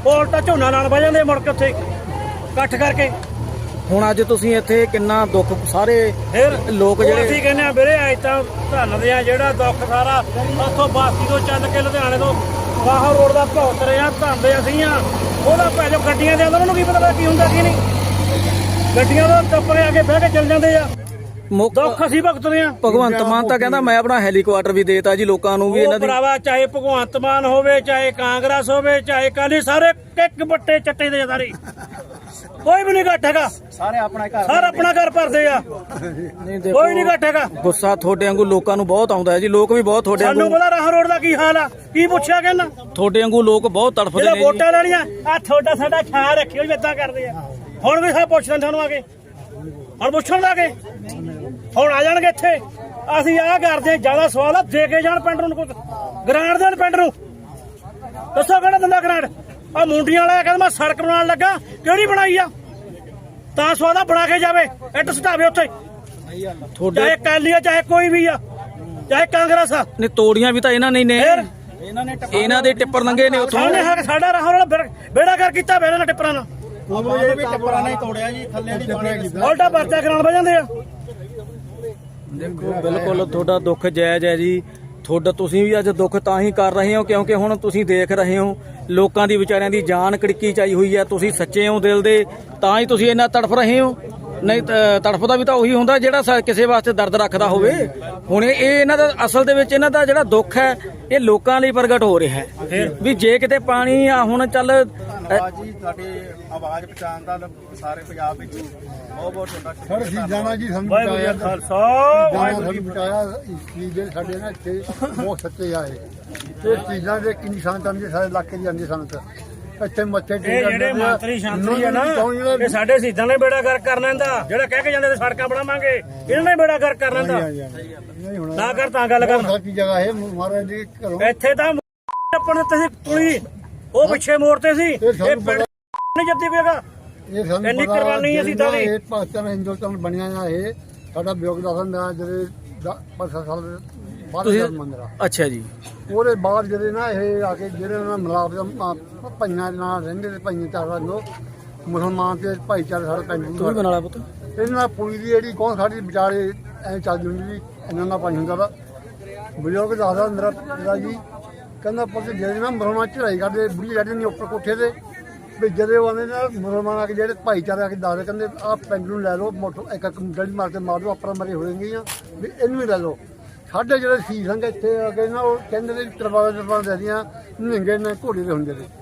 ਉਹ ਉਲਟਾ ਝੋਨਾ ਨਾਲ ਬਹਿ ਜਾਂਦੇ ਮੁੜ ਕੇ ਉੱਥੇ ਇਕੱਠ ਕਰਕੇ। ਹੁਣ ਅੱਜ ਤੁਸੀਂ ਇੱਥੇ ਕਿੰਨਾ ਦੁੱਖ ਸਾਰੇ ਫਿਰ ਲੋਕ ਜਿਹੜੇ ਅਸੀਂ ਕਹਿੰਦੇ ਆ ਵੀਰੇ ਅੱਜ ਤਾਂ ਧੰਨਦੇ ਆ ਜਿਹੜਾ ਦੁੱਖ ਸਾਰਾ ਉੱਥੋਂ ਬਾਸੀ ਤੋਂ ਚੱਲ ਕੇ ਲੁਧਿਆਣੇ ਤੋਂ ਬਾਹਰ ਰੋਡ ਦਾ ਭੁਗਤ ਰਹੇ ਆ, ਧੰਦੇ ਅਸੀਂ ਆ। ਉਹਦਾ ਭੈਜੋ ਗੱਡੀਆਂ ਦੇ ਉਹਨਾਂ ਨੂੰ ਕੀ ਪਤਾ ਕੀ ਹੁੰਦਾ ਕੀ ਨਹੀਂ, ਗੱਡੀਆਂ ਦਾ ਟੱਪਰੇ ਆ ਕੇ ਬਹਿ ਕੇ ਚੱਲ ਜਾਂਦੇ ਆ। ਦੁੱਖ ਅਸੀਂ ਭੁਗਤਦੇ ਆ। ਭਗਵੰਤ ਮਾਨ ਤਾਂ ਕਹਿੰਦਾ ਮੈਂ ਆਪਣਾ ਹੈਲੀਕਾਪਟਰ ਵੀ ਦੇਤਾ ਜੀ ਲੋਕਾਂ ਨੂੰ ਵੀ ਇਹਨਾਂ ਦੀ। ਭਰਾਵਾ ਚਾਹੇ ਭਗਵੰਤ ਮਾਨ ਹੋਵੇ, ਚਾਹੇ ਕਾਂਗਰਸ ਹੋਵੇ, ਚਾਹੇ ਅਕਾਲੀ, ਸਾਰੇ ਇੱਕ ਬੱਟੇ ਚੱਟੇ ਦੇ ਸਾਰੇ, ਕੋਈ ਵੀ ਨਹੀਂ ਘੱਟ ਹੈਗਾ। ਸਾਰੇ ਆਪਣਾ ਘਰ ਸਾਰਾ ਆਪਣਾ ਘਰ ਭਰਦੇ ਆ, ਕੋਈ ਨਹੀਂ ਘੱਟ ਹੈਗਾ। ਗੁੱਸਾ ਤੁਹਾਡੇ ਵਾਂਗੂ ਲੋਕਾਂ ਨੂੰ ਬਹੁਤ ਆਉਂਦਾ ਹੈ ਜੀ, ਲੋਕ ਵੀ ਬਹੁਤ ਤੁਹਾਡੇ ਸਾਨੂੰ ਵਾਂਗੂ। ਪਤਾ ਰਾਹ ਰੋਡ ਦਾ ਕੀ ਹਾਲ ਆ, ਕੀ ਪੁੱਛਿਆ ਕਹਿੰਦਾ ਤੁਹਾਡੇ ਵਾਂਗੂ ਲੋਕ ਬਹੁਤ ਤੜਫਦੇ ਜਿਹੜਾ ਨੇ ਵੋਟਾਂ ਲੈਣੀਆਂ ਆ ਤੁਹਾਡਾ ਸਾਡਾ ਖਿਆਲ ਰੱਖਿਓ ਜੀ, ਏਦਾਂ ਕਰਦੇ ਆ। ਹੁਣ ਵੀ ਸਭ ਪੁੱਛਦੇ ਤੁਹਾਨੂੰ ਆ ਕੇ, ਹੁਣ ਪੁੱਛਣ ਲੱਗੇ, ਹੁਣ ਆ ਜਾਣਗੇ ਇੱਥੇ। ਅਸੀਂ ਆਹ ਕਰਦੇ ਜਿਆਦਾ ਸਵਾਲ ਆ, ਦੇ ਕੇ ਜਾਣ ਪਿੰਡ ਨੂੰ, ਕੁਝ ਗ੍ਰਾਂਟ ਦੇਣ ਪਿੰਡ ਨੂੰ। ਦੱਸੋ ਕਿਹੜਾ ਦਿੰਦਾ ਗ੍ਰਾਂਟ? ਆ ਮੁੰਡੀਆਂ ਵਾਲਾ ਕਹਿੰਦਾ ਮੈਂ ਸੜਕ ਬਣਾਉਣ ਲੱਗਾ, ਕਿਹੜੀ ਬਣਾਈ ਆ? ਤਾਂ ਸਵਾਦਾ ਬਣਾ ਕੇ ਜਾਵੇ, ਇੱਟ ਸਟਾਵੇ ਉੱਥੇ, ਚਾਹੇ ਅਕਾਲੀ ਆ ਚਾਹੇ ਕੋਈ ਵੀ ਆ, ਚਾਹੇ ਕਾਂਗਰਸ ਆ। ਨੇ ਤੋੜੀਆਂ ਵੀ ਤਾਂ ਇਹਨਾਂ ਨੇ ਫਿਰ ਇਹਨਾਂ ਦੇ ਟਿੱਪਰ ਲੰਘੇ ਨੇ ਉੱਥੋਂ। ਸਾਹਮਣੇ ਹੈ ਸਾਡਾ ਰਾਹ ਵਾਲਾ ਬੇੜਾ ਕਰ ਕੀਤਾ ਬੇੜੇ ਨਾਲ ਟਿੱਪਰਾਂ ਨਾਲ, ਉਲਟਾ ਪਰਚਾ ਕਰਾਉਣ ਬਹਿ ਜਾਂਦੇ ਆ। ਦੇਖੋ ਬਿਲਕੁਲ ਤੁਹਾਡਾ ਦੁੱਖ ਜਾਇਜ਼ ਹੈ ਜੀ। ਤੁਹਾਡਾ ਤੁਸੀਂ ਵੀ ਅੱਜ ਦੁੱਖ ਤਾਂ ਹੀ ਕਰ ਰਹੇ ਹੋ ਕਿਉਂਕਿ ਹੁਣ ਤੁਸੀਂ ਦੇਖ ਰਹੇ ਹੋ ਲੋਕਾਂ ਦੀ ਵਿਚਾਰਿਆਂ ਦੀ ਜਾਨ ਕੜਕੀ ਚਾਈ ਹੋਈ ਹੈ। ਤੁਸੀਂ ਸੱਚੇ ਹੋ ਦਿਲ ਦੇ, ਤਾਂ ਹੀ ਤੁਸੀਂ ਇੰਨਾ ਤੜਫ ਰਹੇ ਹੋ। ਨਹੀਂ ਤੜਫਦਾ ਵੀ ਤਾਂ ਉਹੀ ਹੁੰਦਾ ਜਿਹੜਾ ਕਿਸੇ ਵਾਸਤੇ ਦਰਦ ਰੱਖਦਾ ਹੋਵੇ। ਹੁਣ ਇਹ ਇਹਨਾਂ ਦਾ ਅਸਲ ਦੇ ਵਿੱਚ ਇਹਨਾਂ ਦਾ ਜਿਹੜਾ ਦੁੱਖ ਹੈ ਇਹ ਲੋਕਾਂ ਲਈ ਪ੍ਰਗਟ ਹੋ ਰਿਹਾ ਹੈ ਵੀ ਜੇ ਕਿਤੇ ਪਾਣੀ ਆ ਹੁਣ ਚੱਲ ਜੀ ਤੁਹਾਡੀ ਆਵਾਜ਼ ਪਹੁੰਚਾਉਣ ਦਾ ਸਾਰੇ ਪੰਜਾਬ ਵਿੱਚ ਬਹੁਤ ਬਹੁਤ ਤੁਹਾਡਾ ਜਾਣਾ ਜੀ। ਸਾਨੂੰ ਵਾਹਿਗੁਰੂ ਜੀ ਕਾ ਖਾਲਸਾ ਵਾਹਿਗੁਰੂ ਜੀ ਕੀ ਫਤਿਹ। ਬਚਾਇਆ ਇਸ ਚੀਜ਼ ਦੇ ਸਾਡੇ ਨਾਲ ਇੱਥੇ ਬਹੁਤ ਸੱਚੇ ਆਏ। ਇਹ ਚੀਜ਼ਾਂ ਦੇ ਕਿੰਨੀ ਸ਼ਾਂਤਾਂ ਦੇ ਸਾਰੇ ਇਲਾਕੇ ਦੀ ਆਉਂਦੀ ਸਾਨੂੰ ਇੱਥੇ ਮੱਥੇ ਇਹ ਜਿਹੜੇ ਮੰਤਰੀ ਸ਼ਾਂਤਰੀ ਆ ਨਾ, ਇਹ ਸਾਡੇ ਸ਼ਹੀਦਾਂ ਨੇ ਬੇੜਾ ਗਰਕ ਕਰਨਾ ਇਹਦਾ। ਜਿਹੜਾ ਕਹਿ ਕੇ ਜਾਂਦੇ ਤੇ ਸੜਕਾਂ ਬਣਾਵਾਂਗੇ, ਇਹਨਾਂ ਨੇ ਬੇੜਾ ਗਰਕ ਕਰਨਾ ਇਹਦਾ। ਨਾ ਕਰ ਤਾਂ ਗੱਲ ਕਰ। ਸਾਡੀ ਜਗ੍ਹਾ ਹੈ ਮਹਾਰਾਜ ਦੇ ਘਰੋਂ। ਇੱਥੇ ਤਾਂ ਆਪਣੇ ਤੁਸੀਂ ਤੁਲੀ ਉਹ ਪਿੱਛੇ ਮੋੜਤੇ ਸੀ, ਇਹ ਪਿੰਡ ਨਹੀਂ ਜੱਦੀ ਪਏਗਾ। ਇਹ ਸਾਨੂੰ ਇੰਨੀ ਕੁਰਬਾਨੀ ਅਸੀਂ ਤਾਂ ਇਹ ਪਾਕਿਸਤਾਨ ਹਿੰਦੁਸਤਾਨ ਬਣਿਆ ਆ। ਇਹ ਸਾਡਾ ਯੋਗਦਾਨ ਦਾ ਜਿਹੜੇ 5 ਸਾਲ ਬਾਅਦ ਮੰਦਰ ਆ। ਅੱਛਾ ਜੀ। ਉਹਦੇ ਬਾਅਦ ਜਿਹੜੇ ਨਾ ਇਹ ਆ ਕੇ ਜਿਹੜੇ ਉਹਨਾਂ ਮਿਲਾਪ ਭਾਈਆਂ ਨਾਲ ਰਹਿੰਦੇ ਤੇ ਭਾਈਆਂ ਚਾਰ ਲੋਕ ਮੁਸਲਮਾਨ ਤੇ ਭਾਈਚਾਰੇ ਸਾਡੇ ਪਿੰਡ ਤੂੰ ਵੀ ਬਣਾ ਲਾ ਪੁੱਤ। ਇਹਨਾਂ ਪੁਲੀ ਦੀ ਜਿਹੜੀ ਕੌਣ ਸਾਡੀ ਵਿਚਾਰੇ ਐ ਚੱਲਦੀ ਹੁੰਦੀ ਸੀ। ਇਹਨਾਂ ਦਾ ਪਾਣੀ ਹੁੰਦਾ ਵਾ। ਬਜ਼ੁਰਗ ਦੱਸਦਾ ਮੇਰਾ ਪਿਤਾ ਜੀ ਕਹਿੰਦਾ ਪੁੱਤ ਜਿਹੜੇ ਨਾ ਮੁਸਲਮਾਨ ਚੜਾਈ ਕਰਦੇ ਬੁੜੀ ਚੜ੍ਹਦੇ ਨੇ ਉੱਪਰ ਕੋਠੇ ਤੇ ਵੀ ਜਦੋਂ ਉਹ ਆਉਂਦੇ ਨਾ ਮੁਸਲਮਾਨ ਆ ਕੇ ਜਿਹੜੇ ਭਾਈਚਾਰੇ ਆ ਕੇ ਦੱਸਦੇ ਕਹਿੰਦੇ ਆਹ ਪਿੰਡ ਨੂੰ ਲੈ ਲਓ ਮੋਟਰ ਇੱਕ ਗੜੀ ਮਾਰ ਕੇ ਮਾਰ ਦਿਓ ਆਪਣਾ ਮਰੇ ਹੋਣਗੀਆਂ ਵੀ ਇਹਨੂੰ ਵੀ ਲੈ ਲਓ। ਸਾਡੇ ਜਿਹੜੇ ਸੀ ਸੰਗ ਇੱਥੇ ਆ ਕੇ ਨਾ ਉਹ ਕਹਿੰਦੇ ਨੇ ਤਰਵਾਲਾ ਦੇ ਦੀਆਂ ਨਿਹੰਗੇ ਨੇ ਘੋੜੇ ਦੇ ਹੁੰਦੇ ਨੇ।